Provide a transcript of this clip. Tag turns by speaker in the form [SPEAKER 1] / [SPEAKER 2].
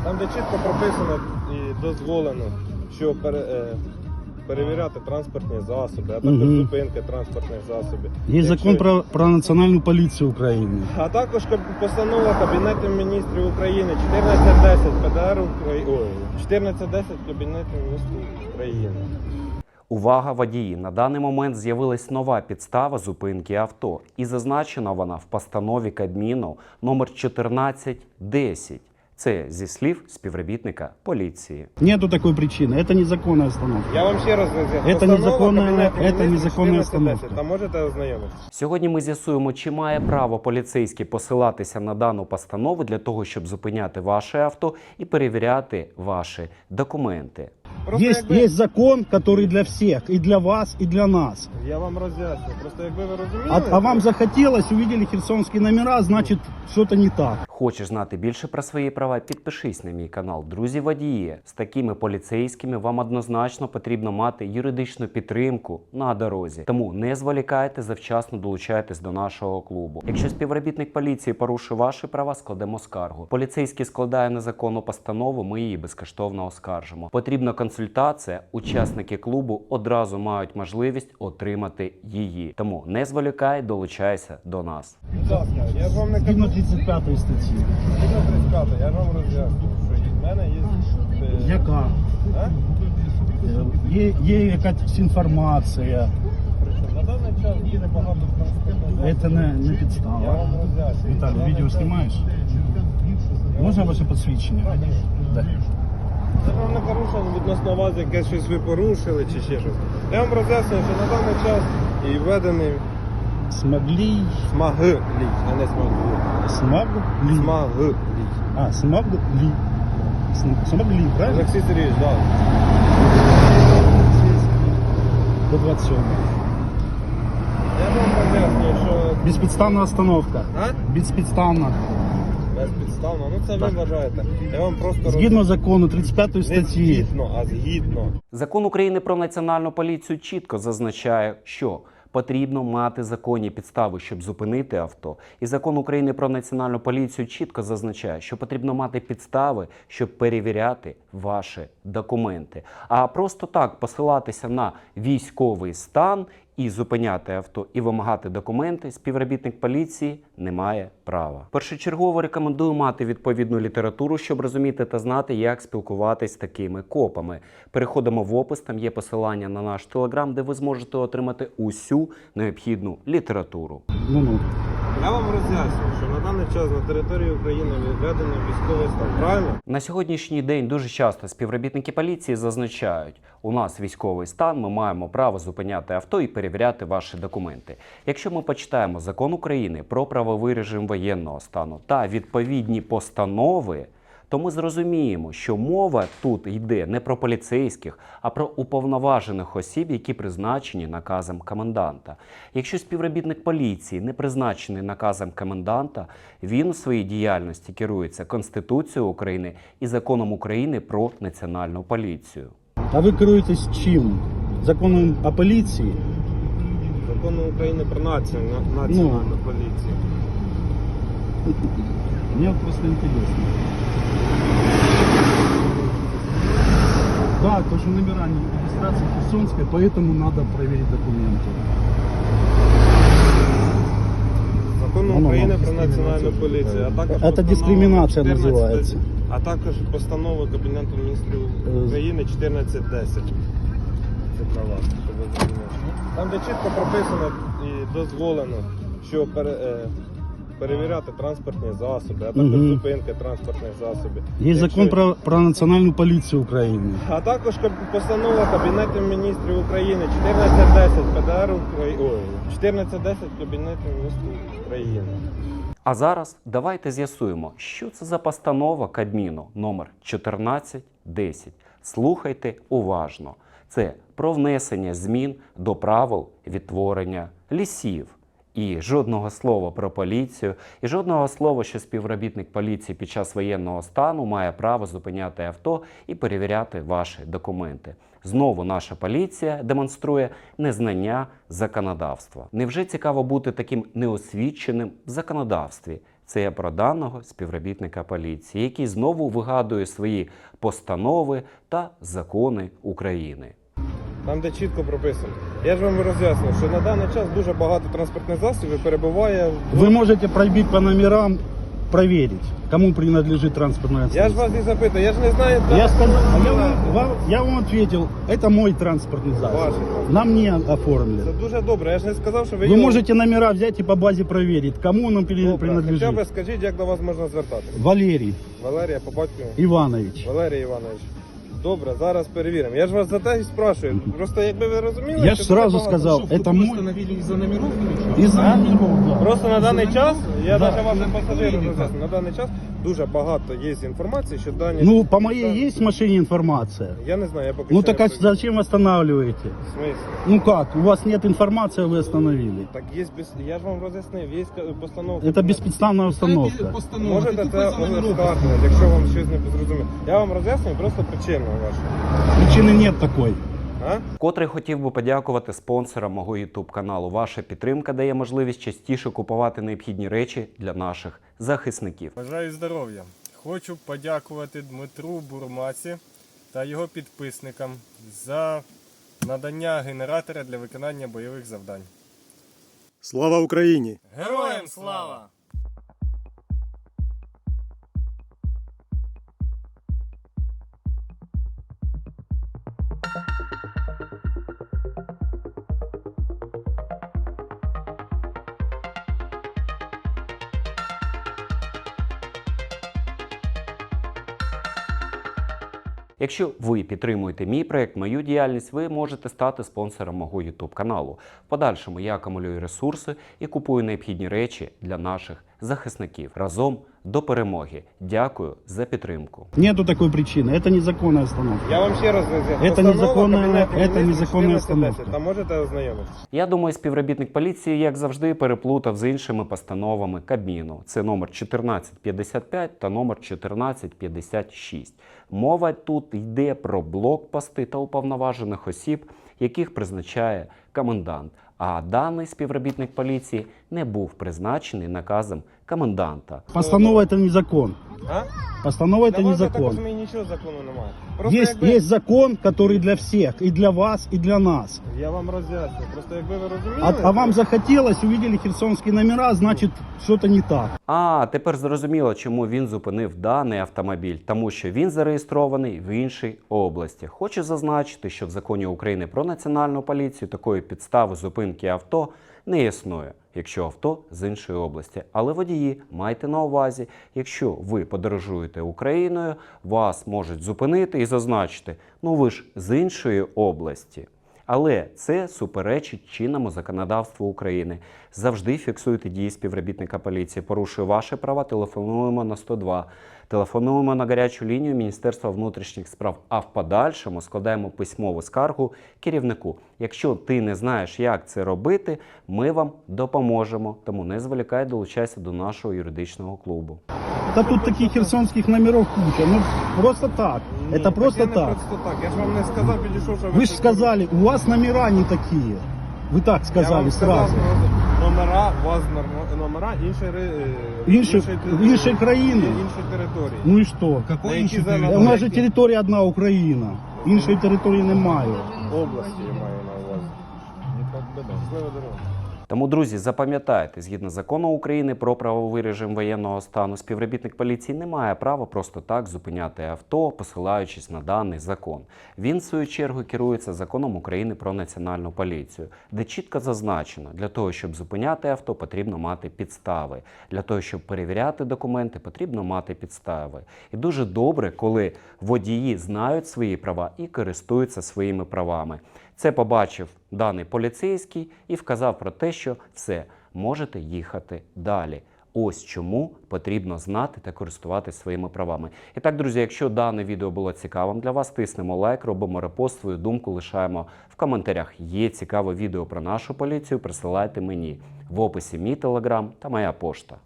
[SPEAKER 1] Там, де чітко прописано і дозволено, що перевіряти транспортні засоби, а також зупинки транспортних засобів.
[SPEAKER 2] Є закон про Національну поліцію України.
[SPEAKER 1] А також постанова Кабінету міністрів України 1410 ПДР України. 1410 Кабінету міністрів України.
[SPEAKER 3] Увага, водії! На даний момент з'явилась нова підстава зупинки авто. І зазначена вона в постанові Кабміну номер 1410. Це зі слів співробітника поліції.
[SPEAKER 2] Нету такой причины. Это незаконная остановка.
[SPEAKER 1] Я вам ще раз роз'ясню.
[SPEAKER 2] Це незаконна остановка.
[SPEAKER 1] Та можете ознайомитися.
[SPEAKER 3] Сьогодні ми з'ясуємо, чи має право поліцейський посилатися на дану постанову для того, щоб зупиняти ваше авто і перевіряти ваші документи.
[SPEAKER 2] Есть закон, который для всех, и для вас, и для нас.
[SPEAKER 1] Я вам роз'ясню. Просто якби ви розуміли...
[SPEAKER 2] А вам захотелось, увидели херсонские номера, значит, что-то не так.
[SPEAKER 3] Хочеш знати більше про свої права? Підпишись на мій канал. Друзі водії, з такими поліцейськими вам однозначно потрібно мати юридичну підтримку на дорозі. Тому не зволікайте, завчасно долучайтесь до нашого клубу. Якщо співробітник поліції порушив ваші права, складемо скаргу. Поліцейський складає незаконну постанову, ми її безкоштовно оскаржимо. Потрібна консультація, учасники клубу одразу мають можливість отримати її. Тому не зволікай, долучайся до нас.
[SPEAKER 1] Будь ласка, я ж вам не кажу.
[SPEAKER 2] Згідно 35 статті.
[SPEAKER 1] Згідно 35, я ж вам роз'ясню, що в мене є...
[SPEAKER 2] Яка?
[SPEAKER 1] А?
[SPEAKER 2] Є якась інформація.
[SPEAKER 1] На даний час їде багато транспортних.
[SPEAKER 2] Це не
[SPEAKER 1] Я
[SPEAKER 2] підстава.
[SPEAKER 1] вам роз'ясню.
[SPEAKER 2] Віталій, відео знімаєш? Можна ваше посвідчення? Да.
[SPEAKER 1] Це вам не порушення відносно вас, якесь щось ви порушили чи ще щось. Я вам роз'яснюю, що на даний час і введений
[SPEAKER 2] Смогли.
[SPEAKER 1] смаглі, а не смаглі.
[SPEAKER 2] Смогли.
[SPEAKER 1] Смаглі.
[SPEAKER 2] Смогли. Смогли, правильно?
[SPEAKER 1] Олексій Сергійович, так.
[SPEAKER 2] До 27.
[SPEAKER 1] Я вам роз'яснюю, що...
[SPEAKER 2] Безпідставна остановка.
[SPEAKER 1] А?
[SPEAKER 2] Безпідставна.
[SPEAKER 1] Безпідставно. Ну це ви вважаєте. Я вам просто...
[SPEAKER 2] Згідно закону 35
[SPEAKER 1] Не
[SPEAKER 2] статті.
[SPEAKER 1] згідно, а згідно.
[SPEAKER 3] Закон України про національну поліцію чітко зазначає, що потрібно мати законні підстави, щоб зупинити авто. І закон України про національну поліцію чітко зазначає, що потрібно мати підстави, щоб перевіряти ваші документи. А просто так посилатися на військовий стан і зупиняти авто, і вимагати документи співробітник поліції не має права. Першочергово рекомендую мати відповідну літературу, щоб розуміти та знати, як спілкуватись з такими копами. Переходимо в опис, там є посилання на наш телеграм, де ви зможете отримати усю необхідну літературу.
[SPEAKER 2] Ну.
[SPEAKER 1] Я вам роз'яснюю, що на даний час на території України введено військовий стан. Правильно?
[SPEAKER 3] На сьогоднішній день дуже часто співробітники поліції зазначають, у нас військовий стан, ми маємо право зупиняти авто і перевіряти ваші документи. Якщо ми почитаємо закон України про правовий режим воєнного стану та відповідні постанови, то ми зрозуміємо, що мова тут йде не про поліцейських, а про уповноважених осіб, які призначені наказом коменданта. Якщо співробітник поліції не призначений наказом коменданта, він у своїй діяльності керується Конституцією України і Законом України про національну поліцію.
[SPEAKER 2] А ви керуєтесь чим? Законом о поліції?
[SPEAKER 1] Закону України про національну поліцію.
[SPEAKER 2] Мне просто интересно. Да, то, что номера не регистрации Херсонская, поэтому надо проверить документы.
[SPEAKER 1] Закону України про національну поліцію, а також
[SPEAKER 2] Це дискримінація
[SPEAKER 1] 14,
[SPEAKER 2] називається.
[SPEAKER 1] А також постанова Кабінету міністрів України 1410. Це для вас, щоб ви зрозуміли. Там, де чітко прописано і дозволено, що перевіряти транспортні засоби, а також зупинки транспортних засобів.
[SPEAKER 2] Є закон про Національну поліцію України.
[SPEAKER 1] А також постанова Кабінету міністрів України 1410 ПДР України. 1410 Кабінету міністрів України.
[SPEAKER 3] А зараз давайте з'ясуємо, що це за постанова Кабміну номер 1410. Слухайте уважно. Це про внесення змін до правил відтворення лісів. І жодного слова про поліцію, і жодного слова, що співробітник поліції під час воєнного стану має право зупиняти авто і перевіряти ваші документи. Знову наша поліція демонструє незнання законодавства. Невже цікаво бути таким неосвіченим в законодавстві? Це я про даного співробітника поліції, який знову вигадує свої постанови та закони України.
[SPEAKER 1] Там, де чітко прописано. Я ж вам роз'яснив, що на даний час дуже багато транспортних засобів перебуває в...
[SPEAKER 2] Вы можете пробить по номерам, проверить, кому принадлежит транспортное
[SPEAKER 1] Я ж
[SPEAKER 2] средство.
[SPEAKER 1] вас і запитую, я ж не знаю...
[SPEAKER 2] Я, сказал,
[SPEAKER 1] Ваш.
[SPEAKER 2] я вам ответил, это мой транспортный засоб.
[SPEAKER 1] Ваш.
[SPEAKER 2] На мне
[SPEAKER 1] Це
[SPEAKER 2] оформлен.
[SPEAKER 1] дуже добре, я ж не сказав, що ви...
[SPEAKER 2] Вы
[SPEAKER 1] його-
[SPEAKER 2] можете номера взять и по базе проверить, кому он
[SPEAKER 1] Добре, хоча б
[SPEAKER 2] принадлежит.
[SPEAKER 1] скажіть, як до вас можна звертатися.
[SPEAKER 2] Валерий
[SPEAKER 1] Валерія, по батькові.
[SPEAKER 2] Иванович.
[SPEAKER 1] Валерій Іванович. Добре, зараз перевіримо. Я ж вас за те і спрашую. Просто якби ви розуміли...
[SPEAKER 2] Я
[SPEAKER 1] що
[SPEAKER 2] ж
[SPEAKER 1] дуже
[SPEAKER 2] сразу
[SPEAKER 1] багато-
[SPEAKER 2] сказал, это мой...
[SPEAKER 4] Из-за номеров или что?
[SPEAKER 2] Из-за номеров, да.
[SPEAKER 1] Просто на даний час, я
[SPEAKER 2] Да.
[SPEAKER 1] навіть вашим пасажирам роз'ясню, на даний час дуже багато є інформації, що дані...
[SPEAKER 2] Ну, по моей есть в машине информация?
[SPEAKER 1] Я не знаю, я поки
[SPEAKER 2] Ну
[SPEAKER 1] що
[SPEAKER 2] так
[SPEAKER 1] не
[SPEAKER 2] а
[SPEAKER 1] придумав.
[SPEAKER 2] зачем останавливаете?
[SPEAKER 1] В смислі?
[SPEAKER 2] Ну как, у вас нет информации, а вы остановили?
[SPEAKER 1] Так є, я ж вам роз'яснив, є постанова...
[SPEAKER 2] Это бесподставная установка.
[SPEAKER 4] Постанова.
[SPEAKER 1] Можете
[SPEAKER 4] Ты
[SPEAKER 1] це
[SPEAKER 4] тупо за номеров.
[SPEAKER 1] оскаржувати, якщо вам щось не зрозуміло. Я вам роз'яснюю просто причину вашу.
[SPEAKER 2] Причины нет такой.
[SPEAKER 1] А?
[SPEAKER 3] Вкотре хотів би подякувати спонсорам мого YouTube каналу. Ваша підтримка дає можливість частіше купувати необхідні речі для наших захисників.
[SPEAKER 5] Бажаю здоров'я. Хочу подякувати Дмитру Бурмаці та його підписникам за надання генератора для виконання бойових завдань.
[SPEAKER 6] Слава Україні!
[SPEAKER 5] Героям слава!
[SPEAKER 3] Якщо ви підтримуєте мій проект, мою діяльність, ви можете стати спонсором мого YouTube каналу. В подальшому я акумулюю ресурси і купую необхідні речі для наших захисників. Разом до перемоги. Дякую за підтримку.
[SPEAKER 2] Нету такой причины. Это незаконная остановка.
[SPEAKER 1] Я вам ще раз роз'ясню.
[SPEAKER 2] Це незаконна-
[SPEAKER 1] Кабінету
[SPEAKER 2] це
[SPEAKER 1] Міністрів
[SPEAKER 2] незаконна
[SPEAKER 1] 1410.
[SPEAKER 2] установка.
[SPEAKER 1] Там можете ознайомитися.
[SPEAKER 3] Я думаю, співробітник поліції, як завжди, переплутав з іншими постановами Кабміну. Це номер 1455 та номер 1456. Мова тут йде про блокпости та уповноважених осіб, яких призначає комендант. А даний співробітник поліції не був призначений наказом коменданта.
[SPEAKER 2] Постанова это не закон.
[SPEAKER 1] А?
[SPEAKER 2] Постанова это
[SPEAKER 1] Для
[SPEAKER 2] не
[SPEAKER 1] вас, я так
[SPEAKER 2] закон.
[SPEAKER 1] розумію, нічого закону немає. Просто
[SPEAKER 2] Есть,
[SPEAKER 1] якби...
[SPEAKER 2] есть закон, который для всех, и для вас, и для нас.
[SPEAKER 1] Я вам роз'ясню. Просто якби ви розуміли...
[SPEAKER 2] А вам захотелось, увидели херсонские номера, значит, что-то не так.
[SPEAKER 3] А тепер зрозуміло, чому він зупинив даний автомобіль. Тому що він зареєстрований в іншій області. Хочу зазначити, що в законі України про національну поліцію такої підстави зупинки авто не існує, якщо авто з іншої області. Але водії, майте на увазі, якщо ви подорожуєте Україною, вас можуть зупинити і зазначити, ну ви ж з іншої області. Але це суперечить чинному законодавству України. Завжди фіксуйте дії співробітника поліції. Порушує ваші права, телефонуємо на 102. Телефонуємо на гарячу лінію Міністерства внутрішніх справ, а в подальшому складаємо письмову скаргу керівнику. Якщо ти не знаєш, як це робити, ми вам допоможемо. Тому не зволікай, долучайся до нашого юридичного клубу.
[SPEAKER 2] Да тут таких херсонских номеров куча. Ну, просто так.
[SPEAKER 1] Ні,
[SPEAKER 2] Это просто
[SPEAKER 1] я не
[SPEAKER 2] так.
[SPEAKER 1] просто так. Я ж вам не сказав, підійшов, що
[SPEAKER 2] Вы же сказали, у вас номера не такие. Вы так
[SPEAKER 1] Я
[SPEAKER 2] сказали
[SPEAKER 1] вам сказав,
[SPEAKER 2] сразу.
[SPEAKER 1] номера, у вас номера
[SPEAKER 2] Іншої країни.
[SPEAKER 1] іншої території.
[SPEAKER 2] Ну и что?
[SPEAKER 1] На які
[SPEAKER 2] У нас же територія одна Україна. Іншої території немає.
[SPEAKER 1] області я маю на увазі. Щаслива дорога.
[SPEAKER 3] Тому, друзі, запам'ятайте, згідно закону України про правовий режим воєнного стану, співробітник поліції не має права просто так зупиняти авто, посилаючись на даний закон. Він, в свою чергу, керується законом України про національну поліцію, де чітко зазначено, для того, щоб зупиняти авто, потрібно мати підстави. Для того, щоб перевіряти документи, потрібно мати підстави. І дуже добре, коли водії знають свої права і користуються своїми правами. Це побачив даний поліцейський і вказав про те, що все, можете їхати далі. Ось чому потрібно знати та користуватися своїми правами. І так, друзі, якщо дане відео було цікавим для вас, тиснемо лайк, робимо репост, свою думку лишаємо в коментарях. Є цікаве відео про нашу поліцію, присилайте мені. В описі мій телеграм та моя пошта.